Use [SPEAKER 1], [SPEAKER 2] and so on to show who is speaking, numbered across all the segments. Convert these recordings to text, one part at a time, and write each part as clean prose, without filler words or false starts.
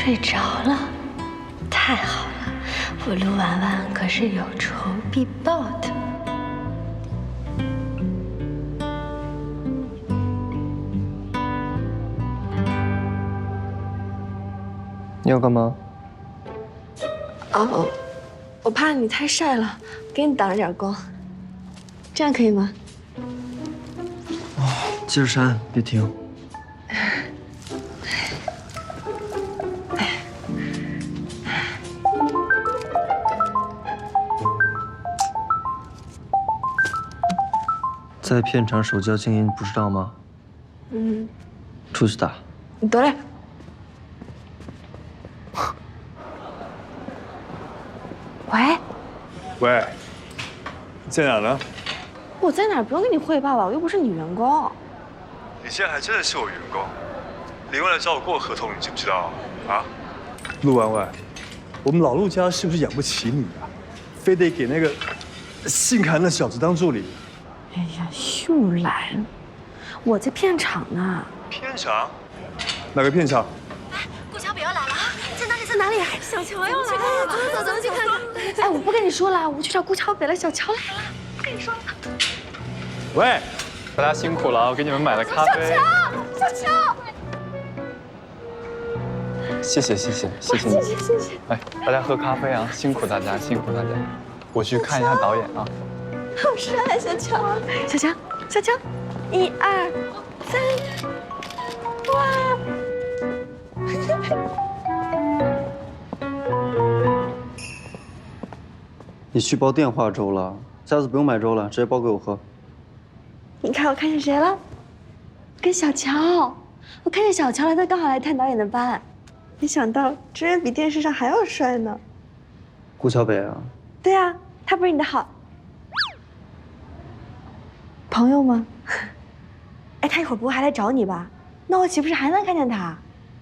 [SPEAKER 1] 睡着了，太好了，我陆婉婉可是有仇必报的。
[SPEAKER 2] 你要干嘛？
[SPEAKER 3] 哦，我怕你太晒了，给你挡着点光，这样可以吗？
[SPEAKER 2] 接着扇，别停。在片场手交静音，不知道吗？
[SPEAKER 3] 嗯，
[SPEAKER 2] 出去打。
[SPEAKER 3] 你得嘞。喂，
[SPEAKER 4] 喂，你在哪呢？
[SPEAKER 3] 我在哪儿不用跟你汇报吧，我又不是你员工。
[SPEAKER 4] 你现在还真的是我员工。李文来找我过合同，你知不知道？啊？陆婉婉，我们老陆家是不是养不起你啊？非得给那个姓韩的小子当助理？
[SPEAKER 3] 哎呀，又来了！我在片场呢。
[SPEAKER 4] 片场？哪个片场？
[SPEAKER 1] 顾小北要来了啊！在哪里？在哪里？小乔要来了！走，咱们去看看。
[SPEAKER 3] 哎，我不跟你说了，我去找顾小北了。小乔来了，不跟你说了。
[SPEAKER 4] 喂，
[SPEAKER 5] 大家辛苦了，我给你们买了咖啡。
[SPEAKER 3] 小乔，
[SPEAKER 5] 谢谢你。
[SPEAKER 3] 谢谢。
[SPEAKER 5] 哎，大家喝咖啡啊，辛苦大家。我去看一下导演啊。
[SPEAKER 3] 好帅，小乔，小乔，1、2、3，哇！
[SPEAKER 2] 你去包电话粥了，下次不用买粥了，直接包给我喝。
[SPEAKER 3] 你看我看见谁了？跟小乔，我看见小乔了，他刚好来探导演的班，没想到真人比电视上还要帅呢。
[SPEAKER 2] 顾小北啊？
[SPEAKER 3] 对啊，他不是你的好朋友吗？哎，他一会儿不会还来找你吧？那我岂不是还能看见他？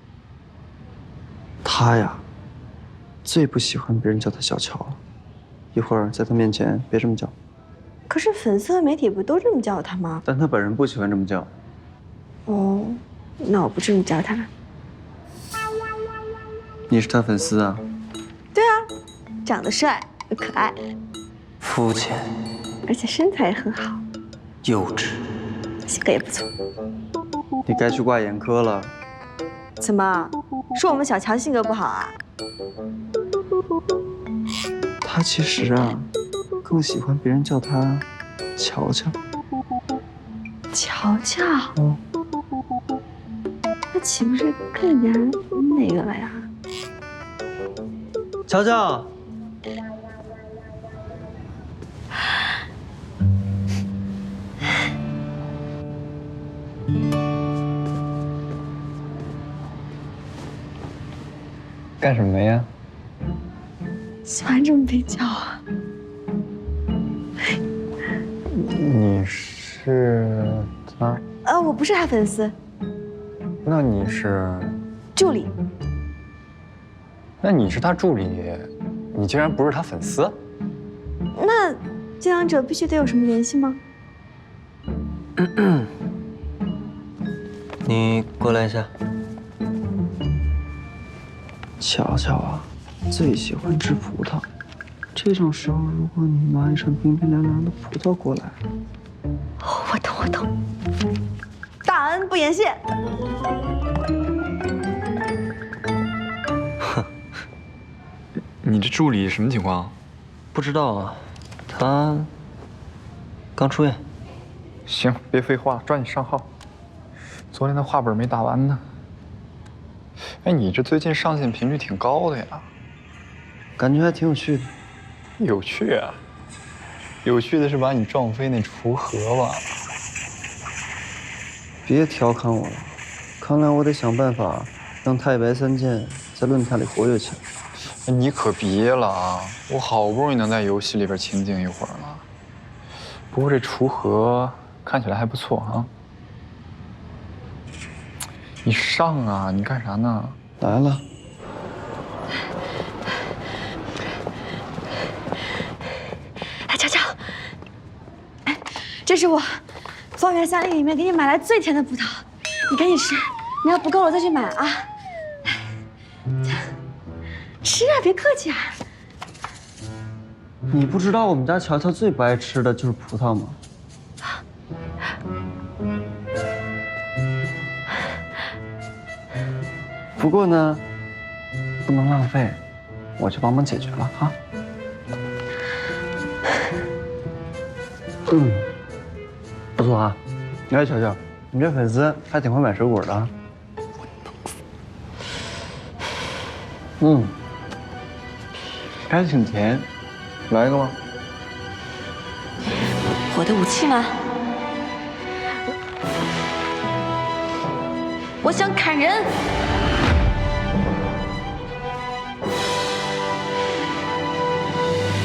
[SPEAKER 2] 他呀，最不喜欢别人叫他小乔了。一会儿在他面前别这么叫。
[SPEAKER 3] 可是粉丝和媒体不都这么叫他吗？
[SPEAKER 2] 但他本人不喜欢这么叫。
[SPEAKER 3] 哦，那我不这么叫他了。
[SPEAKER 2] 你是他粉丝啊？
[SPEAKER 3] 对啊，长得帅又可爱，
[SPEAKER 2] 肤浅，
[SPEAKER 3] 而且身材也很好，
[SPEAKER 2] 幼稚，
[SPEAKER 3] 性格也不错。
[SPEAKER 2] 你该去挂眼科了。
[SPEAKER 3] 怎么，说我们小乔性格不好啊？
[SPEAKER 2] 他其实啊，更喜欢别人叫他乔乔。
[SPEAKER 3] 乔乔，
[SPEAKER 2] 嗯，
[SPEAKER 3] 那岂不是更加那个了呀？
[SPEAKER 2] 乔乔，
[SPEAKER 5] 干什么呀？
[SPEAKER 3] 喜欢这么被叫啊？
[SPEAKER 5] 你是他？
[SPEAKER 3] 我不是他粉丝，
[SPEAKER 5] 那你是？
[SPEAKER 3] 助理。
[SPEAKER 5] 那你是他助理，你竟然不是他粉丝？
[SPEAKER 3] 那这两者必须得有什么联系吗？
[SPEAKER 2] 你过来一下。乔乔啊，最喜欢吃葡萄。这种时候，如果你拿一串冰冰凉凉的葡萄过来，
[SPEAKER 3] 我懂。大恩不言谢。
[SPEAKER 5] 你这助理什么情况？
[SPEAKER 2] 不知道啊，他刚出院。
[SPEAKER 5] 行，别废话，抓紧上号。昨天的话本没打完呢。哎，你这最近上线频率挺高的呀，
[SPEAKER 2] 感觉还挺有趣的。
[SPEAKER 5] 有趣啊！有趣的是把你撞飞那锄禾吧。
[SPEAKER 2] 别调侃我了，看来我得想办法让太白三剑在论坛里活跃起来。
[SPEAKER 5] 哎，你可别了啊！我好不容易能在游戏里边清静一会儿了。不过这锄禾看起来还不错啊。你上啊！你干啥呢？
[SPEAKER 2] 来了。
[SPEAKER 3] 哎，乔乔，哎，这是我方圆3里里面给你买来最甜的葡萄，你赶紧吃，你要不够了再去买啊。 吃啊，别客气啊。
[SPEAKER 2] 你不知道我们家乔乔最不爱吃的就是葡萄吗？不过呢，不能浪费，我去帮忙解决了啊。不错啊。哎，乔乔，你这粉丝还挺会买水果的啊。还挺甜，来一个吗？
[SPEAKER 3] 我的武器吗？我想砍人。